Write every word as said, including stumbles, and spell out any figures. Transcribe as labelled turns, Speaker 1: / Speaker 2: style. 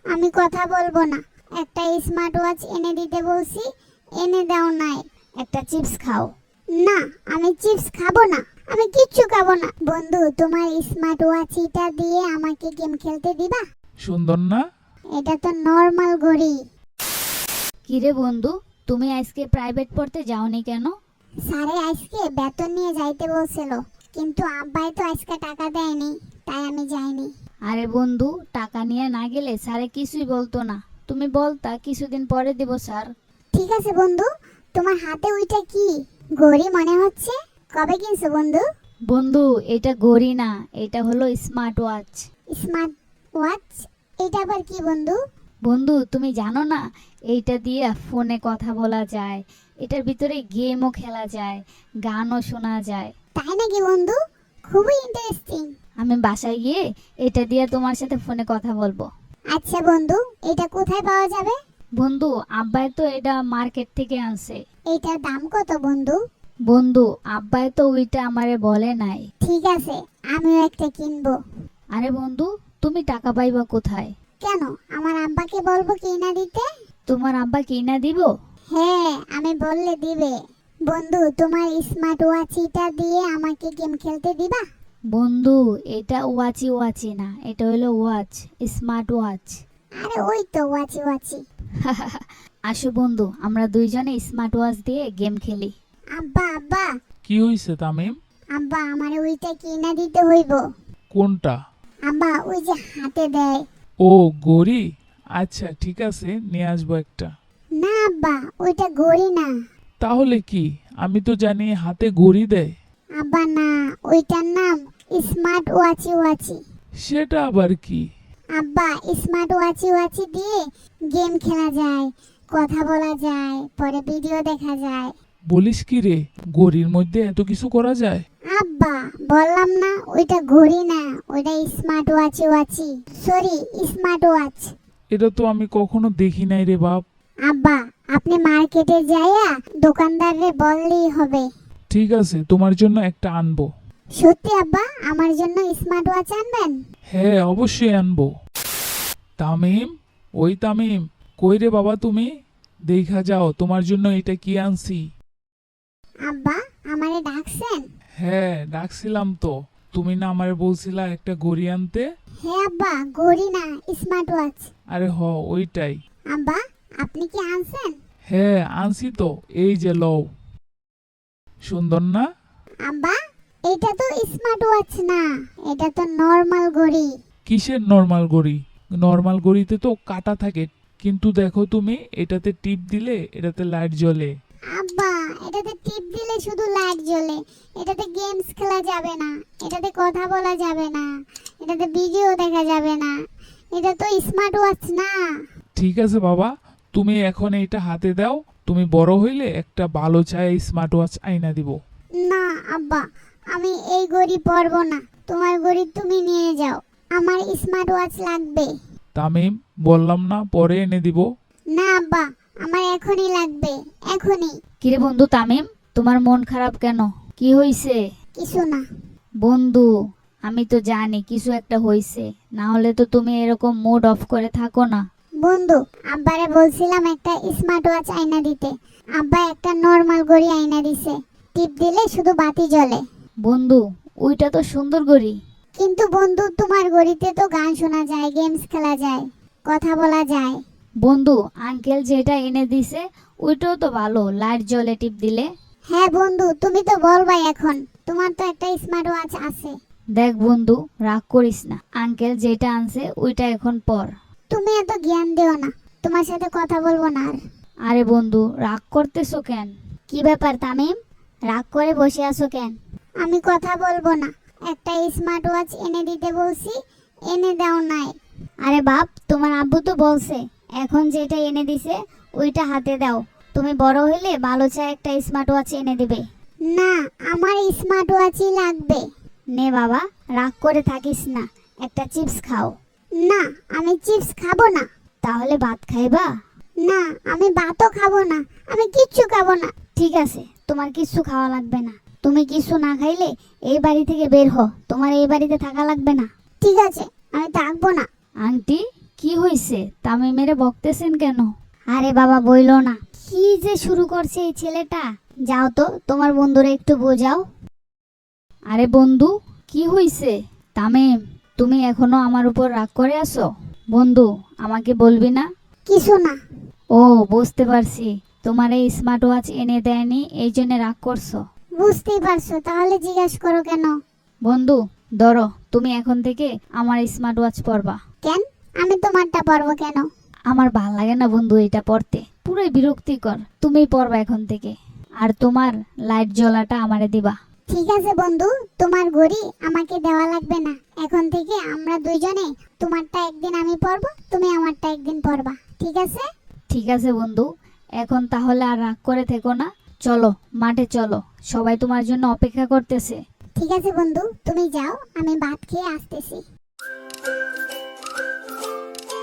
Speaker 1: আমি কথা বলবো না। একটা স্মার্ট ওয়াচ এনে দিতে বলছি, এনে দাও নাই। একটা চিপস খাও। না, আমি চিপস খাবো না, আমি কিচ্ছু খাবো না। বন্ধু, তোমার স্মার্ট ওয়াচটা দিয়ে আমাকে গেম খেলতে দিবা?
Speaker 2: সুন্দর না?
Speaker 1: এটা তো নর্মাল ঘড়ি।
Speaker 3: কিরে বন্ধু, তুমি আজকে প্রাইভেট পড়তে যাওনি কেন?
Speaker 1: স্যারে আজকে বেতন নিয়ে যাইতে বলছিল, কিন্তু আব্বাই তো আজকে টাকা দেয়নি, তাই আমি যাইনি।
Speaker 3: আরে বন্ধু, টাকা নিয়ে না গেলে স্যারে কিছুই বলতো না। তুমি বলতা কিছুদিন পরে দিব স্যার।
Speaker 1: ঠিক আছে বন্ধু, তোমার হাতে ওইটা কি? ঘড়ি মনে হচ্ছে। কবে কিনছো বন্ধু?
Speaker 3: বন্ধু, এটা ঘড়ি না, এটা হলো স্মার্ট ওয়াচ।
Speaker 1: Smart watch? এটা আবার কি বন্ধু?
Speaker 3: বন্ধু, তুমি জানো না, এইটা দিয়ে ফোনে কথা বলা যায়, এটার ভিতরে গেমও খেলা যায়, গানও শোনা যায়।
Speaker 1: তাই নাকি বন্ধু? খুবই ইন্টারেস্টিং।
Speaker 3: আমি বাসায় গিয়ে এটা দিয়ে তোমার সাথে ফোনে কথা বলবো।
Speaker 1: আচ্ছা বন্ধু, এটা কোথায় পাওয়া যাবে?
Speaker 3: বন্ধু, আব্বাই তো এটা মার্কেট থেকে আনছে।
Speaker 1: এটার দাম কত বন্ধু?
Speaker 3: বন্ধু, আব্বাই তো ওইটা আমারে বলে নাই।
Speaker 1: ঠিক আছে, আমিও একটা কিনবো।
Speaker 3: আরে বন্ধু, তুমি টাকা পাইবা কোথায়?
Speaker 1: কেন, আমার আব্বাকে বলবো কিনা দিতে?
Speaker 3: তোমার আব্বা কিনা দিব?
Speaker 1: হ্যাঁ, আমি বললে দিবে। বন্ধু, তোমার স্মার্ট ওয়াচটা দিয়ে আমাকে গেম খেলতে দিবা?
Speaker 3: বন্ধু, এটা ওয়াচি ওয়াচি না, এটা হলো ওয়াচ, স্মার্ট ওয়াচ।
Speaker 1: আরে ওই তো ওয়াচি ওয়াচি।
Speaker 3: আসো বন্ধু, আমরা দুইজনে স্মার্ট ওয়াচ দিয়ে গেম খেলি।
Speaker 1: আব্বা আব্বা
Speaker 2: কি হইছে তামিম?
Speaker 1: আব্বা, আমার ওইটা কিনা দিতে হইব।
Speaker 2: কোনটা?
Speaker 1: আব্বা, ওই যে হাতে দেয়।
Speaker 2: ও, ঘড়ি? আচ্ছা ঠিক আছে, নিয়ে আসবো একটা।
Speaker 1: না আব্বা, ওইটা ঘড়ি না।
Speaker 2: তাহলে কি? আমি তো জানি হাতে ঘড়ি দেয়।
Speaker 1: আব্বা না, ওইটার নাম স্মার্ট ওয়াচি ওয়াচি।
Speaker 2: সেটা আবার কি?
Speaker 1: আব্বা, স্মার্ট ওয়াচি ওয়াচি দিয়ে গেম খেলা যায়, কথা বলা যায়, পরে ভিডিও দেখা যায়।
Speaker 2: বলিস কি রে, ঘড়ির মধ্যে এত কিছু করা যায়?
Speaker 1: আব্বা, বললাম না ওইটা ঘড়ি না, ওইটা স্মার্ট ওয়াচি ওয়াচি, সরি স্মার্ট ওয়াচ।
Speaker 2: এটা তো আমি কখনো দেখি নাই রে বাপ।
Speaker 1: আব্বা, আপনি মার্কেটে যাইয়া দোকানদাররে বললেই হবে।
Speaker 2: ঠিক আছে, তোমার জন্য একটা আনবো।
Speaker 1: সত্যি আব্বা, আমার জন্য স্মার্ট ওয়াচ আনবেন?
Speaker 2: হ্যাঁ, অবশ্যই আনবো। তামিম, ওই তামিম, কই রে বাবা তুমি? দেখা যাও তোমার জন্য এটা কি আনছি।
Speaker 1: আব্বা, আমারে ডাকছেন?
Speaker 2: হ্যাঁ, ডাকছিলাম তো। তুমি না আমারে বলছিলা একটা ঘড়ি আনতে?
Speaker 1: হ্যাঁ আব্বা, ঘড়ি না, স্মার্ট ওয়াচ।
Speaker 2: আরে হ, ওইটাই।
Speaker 1: আব্বা, আপনি কি আনছেন?
Speaker 2: হ্যাঁ, আনছি তো, এই যে লও। সুন্দর না?
Speaker 1: আব্বা, এটা তো স্মার্ট ওয়াচ না, এটা তো নর্মাল ঘড়ি।
Speaker 2: কিসের নর্মাল ঘড়ি? নর্মাল ঘড়িতে তো কাটা থাকে, কিন্তু দেখো তুমি, এটাতে টিপ দিলে এটাতে লাইট জ্বলে।
Speaker 1: আব্বা, এটাতে টিপ দিলে শুধু লাইট জ্বলে, এটাতে গেমস খেলা যাবে না, এটাতে কথা বলা যাবে না, এটাতে ভিডিও দেখা যাবে না, এটা তো স্মার্ট ওয়াচ না।
Speaker 2: ঠিক আছে বাবা, তুমি এখন এইটা হাতে দাও, তুমি বড় হইলে একটা ভালো চাই স্মার্ট ওয়াচ আইনা দিব।
Speaker 1: না আব্বা, আমি এই ঘড়ি পরবো না, তোমার ঘড়ি তুমি নিয়ে যাও, আমার স্মার্ট ওয়াচ লাগবে।
Speaker 2: তামিম, বললাম না পরে এনে দিব।
Speaker 1: না আব্বা, আমার এখনই লাগবে, এখনই।
Speaker 3: কিরে বন্ধু তামিম, তোমার মন খারাপ কেন? কি হইছে?
Speaker 1: কিছু না।
Speaker 3: বন্ধু, আমি তো জানি কিছু একটা হইছে, না হলে তো তুমি এরকম মুড অফ করে থাকো না।
Speaker 1: বন্ধু, আব্বারে বলছিলাম একটা স্মার্ট ওয়াচ আইনা দিতে, আব্বা একটা নর্মাল ঘড়ি আইনা দিছে, টিপ দিলে শুধু বাতি জ্বলে।
Speaker 3: বন্ধু, ওইটা তো সুন্দর ঘড়ি।
Speaker 1: কিন্তু বন্ধু, তোমার ঘড়িতে তো গান শোনা যায়, গেমস খেলা যায়, কথা বলা যায়।
Speaker 3: বন্ধু, আঙ্কেল যেটা এনে দিছে ওইটাও তো ভালো, লাইট জ্বলে টিপ দিলে।
Speaker 1: হ্যাঁ বন্ধু, তুমি তো বলবাই এখন, তোমার তো একটা স্মার্ট ওয়াচ আছে।
Speaker 3: দেখ বন্ধু, রাগ করিস না, আঙ্কেল যেটা আনছে ওইটা এখন পর।
Speaker 1: তুমি এত জ্ঞান দিও না, তোমার সাথে কথা বলবো না আর।
Speaker 3: আরে বন্ধু, রাগ করতেছো কেন?
Speaker 1: কি ব্যাপার তামিম, রাগ করে বসে আছো কেন? আমি কথা বলবো না, একটা স্মার্ট ওয়াচ এনে দিতে বলছি, এনে দাও নাই।
Speaker 3: আরে বাপ, তোমার আব্বু তো বলছে এখন যেটা এনে দিছে ওইটা হাতে দাও, তুমি বড় হইলে ভালো চাই একটা স্মার্ট ওয়াচ এনে দিবে।
Speaker 1: না, আমার স্মার্ট ওয়াচই লাগবে।
Speaker 3: নে বাবা, রাগ করে থাকিস না, একটা চিপস খাও।
Speaker 1: না, আমি চিপস খাবো না।
Speaker 3: তাহলে ভাত খাইবা?
Speaker 1: না, আমি ভাতও খাবো না, আমি কিচ্ছু খাবো না।
Speaker 3: ঠিক আছে, তোমার কিছু খাওয়া লাগবে না, তুমি কিছু না খাইলে এই বাড়ি থেকে বের হও, তোমার এই বাড়িতে থাকা লাগবে না।
Speaker 1: ঠিক আছে, আমি থাকবো না।
Speaker 3: আন্টি, কি হয়েছে? তামিমেরে বকতেছেন কেন? আরে বাবা বইলো না, কি যে শুরু করছে এই ছেলেটা। যাও তো তোমার বন্ধুরা একটু বোঝাও। আরে বন্ধু, কি হয়েছে? তামিম, তুমি এখনো আমার উপর রাগ করে আছো? বন্ধু, আমাকে বলবি না?
Speaker 1: কিছু না।
Speaker 3: ও, বুঝতে পারছি, তোমার এই স্মার্ট ওয়াচ এনে দেয়নি এই জন্য রাগ করছো।
Speaker 1: বুঝতেই পারছো, তাহলে জিজ্ঞাসা করো কেন?
Speaker 3: বন্ধু ধরো, তুমি এখন থেকে আমার স্মার্ট ওয়াচ পরবা।
Speaker 1: কেন? আমি তোমারটা পরবো কেন?
Speaker 3: আমার ভাল লাগে না বন্ধু এটা পড়তে, পুরোই বিরক্তিকর। তুমি পরবা এখন থেকে, আর তোমার লাইট জ্বলাটা আমারে দিবা।
Speaker 1: ঠিক আছে বন্ধু, তোমার ঘড়ি আমাকে দেওয়া লাগবে না। এখন থেকে আমরা দুইজনে, তোমারটা একদিন আমি পরবো, তুমি আমারটা একদিন পরবা, ঠিক আছে?
Speaker 3: ঠিক আছে বন্ধু, এখন তাহলে আর রাগ করে থেকো না। চলো মাঠে চলো, সবাই তোমার জন্য অপেক্ষা করতেছে।
Speaker 1: ঠিক আছে বন্ধু, তুমি যাও, আমি ভাত খেয়ে আসতেছি।